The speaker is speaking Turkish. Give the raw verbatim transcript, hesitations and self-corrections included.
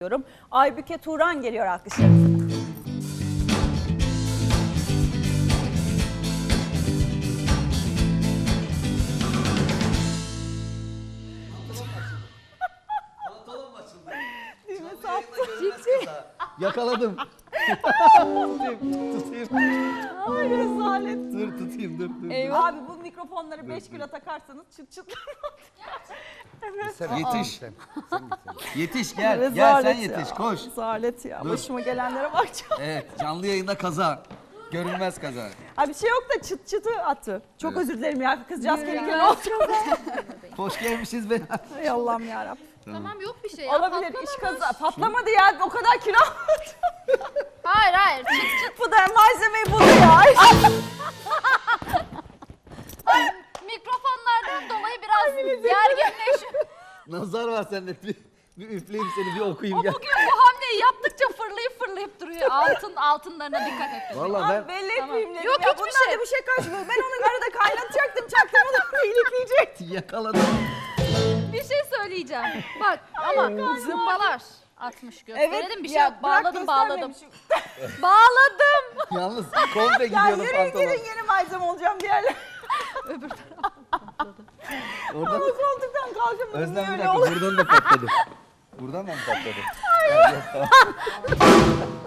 diyorum. Aybüke Turan geliyor alkışlarınızla. Pantolon mu açıldı? Düğme Canlı saptı. yayında görünmez kaza. Yakaladım. tutayım, tutayım. Ay rezalet. Dur tutayım, dur dur. Eyvah. Abi bu mikrofonları beş kilo takarsanız çıt çıt. Yetiş. Yetiş gel, gel sen Rezalet yetiş, ya. koş. Rezalet ya. Dur. Başıma gelenlere bakacağım. Evet, canlı yayında kaza. Görünmez kaza. Ha bir şey yok da çıt çıtı attı. Çok Evet. özür dilerim ya. Kızcağız gelirken ne oldu? Hoş gelmişiz be. Hay Allah'ım yarabbim. Tamam yok bir şey ya. Olabilir patlamamış. iş kaza. Patlamadı ya. O kadar kilo almadım. Hayır hayır çıt çıt. Bu da malzemeyi buldu ya. Mikrofonlardan dolayı biraz gerginleşiyor. Nazar var sende. Bir, bir üfleyeyim seni, bir okuyayım O gel. bugün bu hamleyi yaptıkça fırlayıp fırlayıp duruyor. Altın altınlarına dikkat et. Vallahi Abi ben belli Tamam. etmeyeyim dedim. Yok, ya. hiçbir Bundan şey. da bir şey kaçmıyor. Ben onu arada kaynatacaktım. Çaktırmadan ilikleyecektim. yakaladım. Bir şey söyleyeceğim. Bak ama zımbalar atmış gösterelim bir şey ya yok. bırak Bağladım bağladım. göstermemişim. Bağladım. Yalnız komple Ya gidiyordu yürü pantolon. gidin yeni malzeme olacağım diğerler. Oradan Ama koltuktan kalkamadım. Özlem Niye bir öyle dakika, oldu? buradan da patladı. Buradan da mı patladı? Evet, tamam.